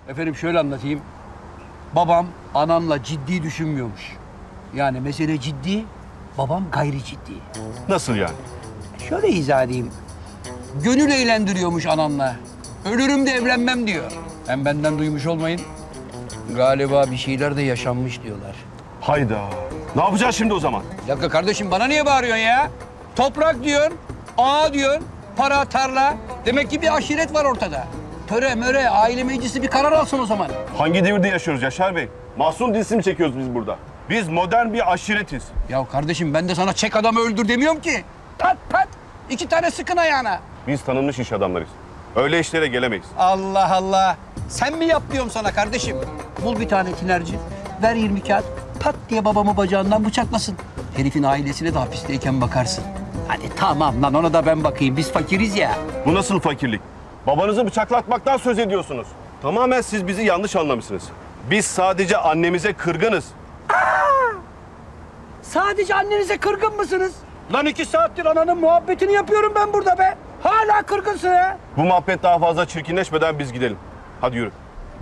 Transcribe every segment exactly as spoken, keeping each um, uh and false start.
Efendim şöyle anlatayım. Babam anamla ciddi düşünmüyormuş. Yani mesele ciddi, babam gayri ciddi. Nasıl yani? Şöyle izah edeyim. Gönül eğlendiriyormuş anamla. Ölürüm de evlenmem diyor. Hem benden duymuş olmayın. Galiba bir şeyler de yaşanmış diyorlar. Hayda. Ne yapacağız şimdi o zaman? Bir dakika kardeşim, bana niye bağırıyorsun ya? Toprak diyorsun, ağa diyorsun, para, tarla. Demek ki bir aşiret var ortada. Töre, möre, aile meclisi bir karar alsın o zaman. Hangi devirde yaşıyoruz Yaşar Bey? Mahsun dizisi mi çekiyoruz biz burada? Biz modern bir aşiretiz. Ya kardeşim, ben de sana çek adamı öldür demiyorum ki. Pat pat, iki tane sıkın ayağına. Biz tanınmış iş adamlarıyız. Öyle işlere gelemeyiz. Allah Allah. Sen mi yap diyorum sana kardeşim? Bul bir tane tinerci, ver yirmi kağıt, pat diye babamı bacağından bıçaklasın. Herifin ailesine de hapisteyken bakarsın. Hadi tamam lan, ona da ben bakayım. Biz fakiriz ya. Bu nasıl fakirlik? Babanızı bıçaklatmaktan söz ediyorsunuz. Tamamen siz bizi yanlış anlamışsınız. Biz sadece annemize kırgınız. Sadece annenize kırgın mısınız? Lan iki saattir ananın muhabbetini yapıyorum ben burada be. Hala kırgınsın ha. Bu muhabbet daha fazla çirkinleşmeden biz gidelim. Hadi yürü.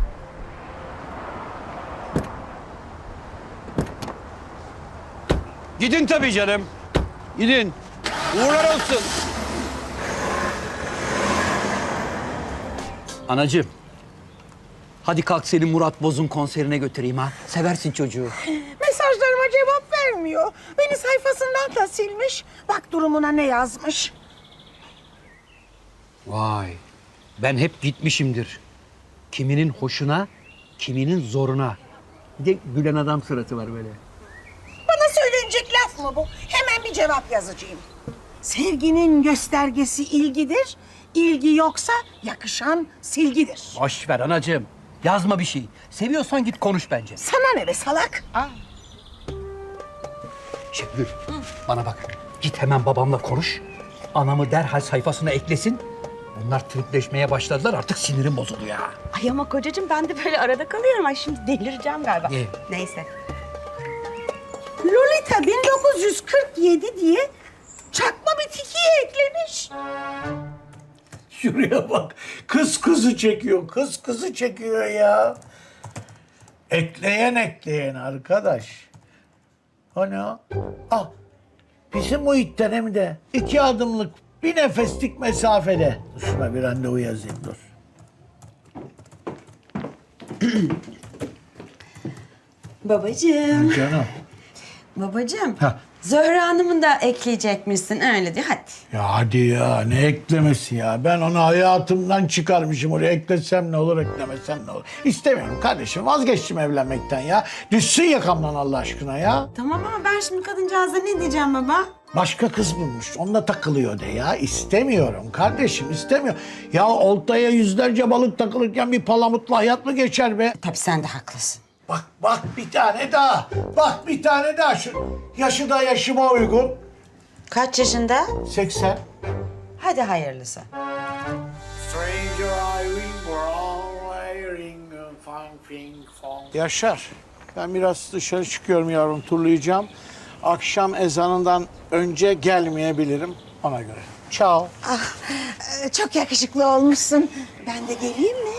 Gidin tabii canım. Gidin. Uğurlar olsun. Anacığım. Hadi kalk seni Murat Boz'un konserine götüreyim ha. Seversin çocuğu. Mesajlarıma cevap vermiyor. Beni sayfasından da silmiş. Bak durumuna ne yazmış. Vay. Ben hep gitmişimdir. Kiminin hoşuna, kiminin zoruna. Bir de gülen adam suratı var böyle. Bana söylenecek laf mı bu? Hemen bir cevap yazacağım. Sevginin göstergesi ilgidir. İlgi yoksa yakışan silgidir. Boş ver anacığım. Yazma bir şey. Seviyorsan git konuş bence. Sana ne be salak? Şevgül, bana bak. Git hemen babamla konuş. Anamı derhal sayfasına eklesin. Onlar tripleşmeye başladılar. Artık sinirim bozuldu ya. Ay ama kocacığım ben de böyle arada kalıyorum. Ay şimdi delireceğim galiba. İyi. Neyse. Lolita bin dokuz yüz kırk yedi diye çakma bir tikiye eklemiş. Şuraya bak. Kız kızı çekiyor. Kız kızı çekiyor ya. Ekleyen ekleyen arkadaş. Hani o? Ah. Bizim Muhit'ten hem de iki adımlık bir nefeslik mesafede. Dur şuna bir randevu yazayım dur. Babacığım. Canım. Babacığım. Ha. Zöhre Hanım'ı da ekleyecekmişsin öyle diyor. Hadi. Ya hadi ya ne eklemesi ya. Ben onu hayatımdan çıkarmışım oraya. Eklesem ne olur, eklemesem ne olur. İstemiyorum kardeşim. Vazgeçtim evlenmekten ya. Düşsün yakamdan Allah aşkına ya. Tamam ama ben şimdi kadıncağıza ne diyeceğim baba? Başka kız bulmuş. Onunla takılıyor de ya. İstemiyorum kardeşim, istemiyorum. Ya oltaya yüzlerce balık takılırken bir palamutla hayat mı geçer be? Tabii sen de haklısın. Bak bak bir tane daha. Bak bir tane daha. Şu yaşı da yaşıma uygun. Kaç yaşında? seksen. Hadi hayırlısı. Yaşar, ben biraz dışarı çıkıyorum yavrum, turlayacağım. Akşam ezanından önce gelmeyebilirim ona göre. Ciao. Ah, e, çok yakışıklı olmuşsun. Ben de geleyim mi?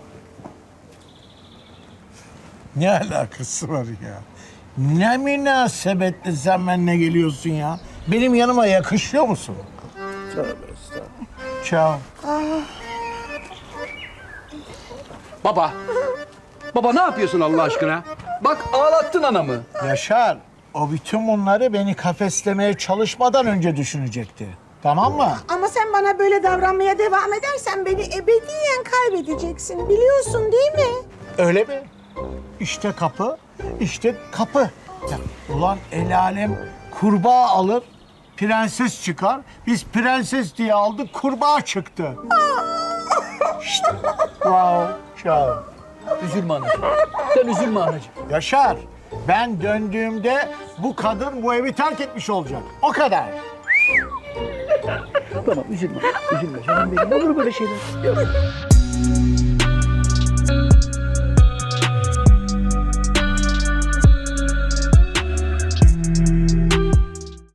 Ne alakası var ya? Ne münasebetle sen benimle geliyorsun ya? Benim yanıma yakışıyor musun? Tövbe estağfurullah. Ciao. Baba. Baba ne yapıyorsun Allah aşkına? Bak ağlattın anamı. Yaşar, o bütün bunları beni kafeslemeye çalışmadan önce düşünecekti. Tamam mı? Ama sen bana böyle davranmaya devam edersen beni ebediyen kaybedeceksin. Biliyorsun değil mi? Öyle mi? İşte kapı, işte kapı. Ya, ulan el alem kurbağa alır, prenses çıkar. Biz prenses diye aldık, kurbağa çıktı. İşte. Wow, ciao. Üzülme anacığım. Sen üzülme anacığım. Yaşar, ben döndüğümde bu kadın bu evi terk etmiş olacak. O kadar. Tamam üzülme. Üzülme canım benim. Olur böyle şeyler.